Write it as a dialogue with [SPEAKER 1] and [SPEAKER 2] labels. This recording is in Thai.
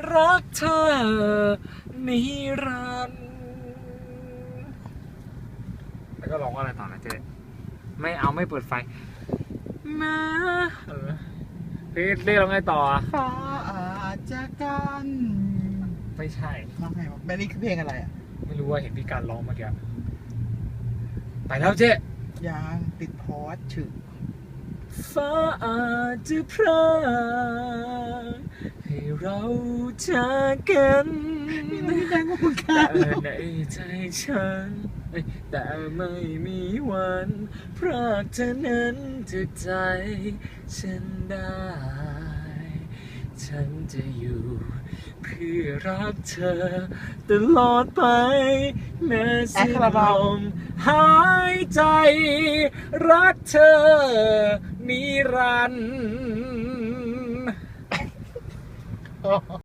[SPEAKER 1] รักเธอนิรันดร์แล้วก็ร้องว่าอะไรต่อนะเจ๊ไม่เอาไม่เปิดไฟมาพี่เรียกร้องไงต่ออ่ะ
[SPEAKER 2] ฟ้าอาจจะกัน
[SPEAKER 1] ไม่ใช่
[SPEAKER 2] ร้องไงวะแบลลี่คือเพลงอะไรอ่ะ
[SPEAKER 1] ไม่รู้ว่าเห็นพี่การร้องเมื่อกี้ไปแล้วเจ๊
[SPEAKER 2] ยางติดพอสฉึก
[SPEAKER 1] ฟ้าอาจจะพรากให้เราจากกัน
[SPEAKER 2] นี่มันแรงกว่าคุณค่ะ
[SPEAKER 1] แต่ในใจฉันแต่ไม่มีวันพรากเธอนั้นจากใจฉันได้ ฉันจะอยู่เพื่อรักเธอตลอดไปแม้สิ้นลมหายใจรักเธอนิรันดร์